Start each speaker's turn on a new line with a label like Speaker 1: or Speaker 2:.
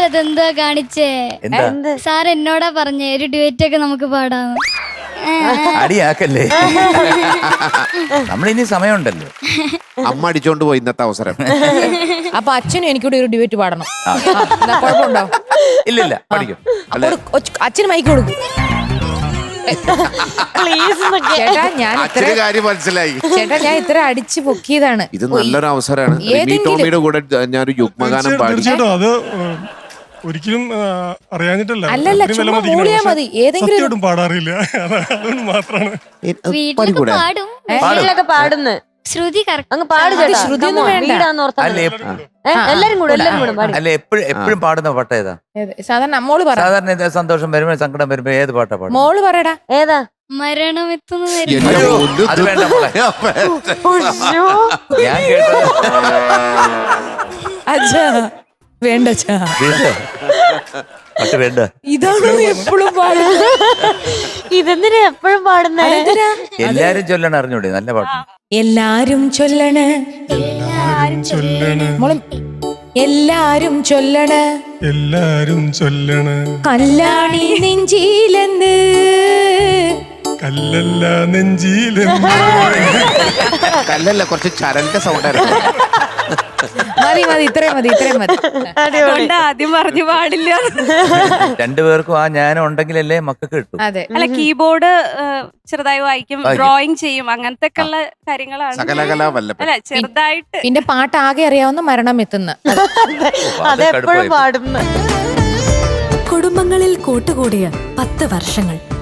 Speaker 1: അതെന്താ കാണിച്ചേ? സാർ എന്നോടാ പറഞ്ഞേ ഒരു ഡ്യുവറ്റ് ഒക്കെ നമുക്ക് പാടാന്ന്.
Speaker 2: അടിയാക്കല്ലേ, നമ്മളിനി സമയമുണ്ടല്ലോ.
Speaker 3: അമ്മ അടിച്ചോണ്ട് പോയി ഇന്നത്തെ അവസരം.
Speaker 4: അപ്പൊ അച്ഛനും എനിക്കൂടെ ഒരു ഡിബേറ്റ് പാടണം. കുഴപ്പമുണ്ടോ?
Speaker 2: ഇല്ലില്ല, പഠിക്കും.
Speaker 4: അച്ഛന് മൈക്ക് കൊടുക്കും. ചേട്ടാ ഞാൻ
Speaker 3: കാര്യം മനസ്സിലായി.
Speaker 4: ചേട്ടാ ഞാൻ ഇത്ര അടിച്ചു പൊക്കിയതാണ്.
Speaker 3: ഇത് നല്ലൊരു അവസരമാണ്. ടോമിയുടെ കൂടെ ഞാനൊരു യുഗ്മഗാനം പാടി.
Speaker 5: അത് ഒരിക്കലും അറിയാഞ്ഞിട്ടല്ല.
Speaker 4: അല്ലല്ല, ചുമ്മാ മൂളിയാ മതി. ഏതെങ്കിലും
Speaker 5: പാടാറില്ല, അതുകൊണ്ട് മാത്രമാണ്.
Speaker 1: വീട്ടിലൊക്കെ പാടും,
Speaker 6: വീട്ടിലൊക്കെ പാടുന്നു.
Speaker 1: ശ്രുതി
Speaker 6: അങ്ങ് പാട് ചേട്ടാ.
Speaker 4: ശ്രുതിയൊന്നും വേണ്ട.
Speaker 6: എല്ലാരും കൂടെ പാടി.
Speaker 2: അല്ല, എപ്പോഴും പാടുന്ന പാട്ട് ഏതാ?
Speaker 4: സാധാരണ മോള് പറ.
Speaker 2: സാധാരണ ഇത് സന്തോഷം വരുമ്പോ സങ്കടം വരുമ്പോ ഏത് പാട്ടാ പാടും?
Speaker 4: മോള് പറയടാ.
Speaker 6: ഏതാ?
Speaker 1: മരണം എത്തുന്ന
Speaker 2: അത് വേണ്ട മോളെ. ഞാൻ കേട്ടത്
Speaker 4: അച്ഛാ വേണ്ട.
Speaker 2: പാട്ട് വേണ്ട.
Speaker 4: ഇതാണ് എപ്പോഴും പാടുന്നത്.
Speaker 6: ഇതെന്തിനാ എപ്പോഴും പാടുന്നേ?
Speaker 2: എല്ലാരും ചൊല്ലണം, അറിഞ്ഞൂടെ? നല്ല പാട്ട്.
Speaker 4: എല്ലാരും ചൊല്ലണ്, മോളെ എല്ലാരും ചൊല്ലണ്,
Speaker 5: എല്ലാരും ചൊല്ലണ്.
Speaker 4: കല്യാണി നെഞ്ചിലെന്ന്
Speaker 5: കല്ലല്ല നെഞ്ചിലെന്ന്.
Speaker 3: കല്ലല്ല, കുറച്ച് ചരലിന്റെ സൗണ്ടായിരുന്നു.
Speaker 4: മതി മതി, ഇത്രയും മതി, ഇത്രയും മതി.
Speaker 7: ആദ്യം പറഞ്ഞു പാടില്ല.
Speaker 2: രണ്ടുപേർക്കും ആ ജ്ഞാനം ഉണ്ടെങ്കിലല്ലേ മക്കൾക്ക് കിട്ടും.
Speaker 4: അതെ.
Speaker 7: അല്ല, കീബോർഡ് ചെറുതായി വായിക്കും, ഡ്രോയിങ് ചെയ്യും, അങ്ങനത്തെ ഒക്കെ ഉള്ള കാര്യങ്ങളാണ്. അല്ല, ചെറുതായിട്ട്.
Speaker 4: പിന്നെ പാട്ട് ആകെ അറിയാവുന്ന മരണം എത്തുന്ന.
Speaker 6: അതെപ്പോഴും പാടുന്നു.
Speaker 8: കുടുംബങ്ങളിൽ കൂട്ടുകൂടിയ 10 വർഷങ്ങൾ.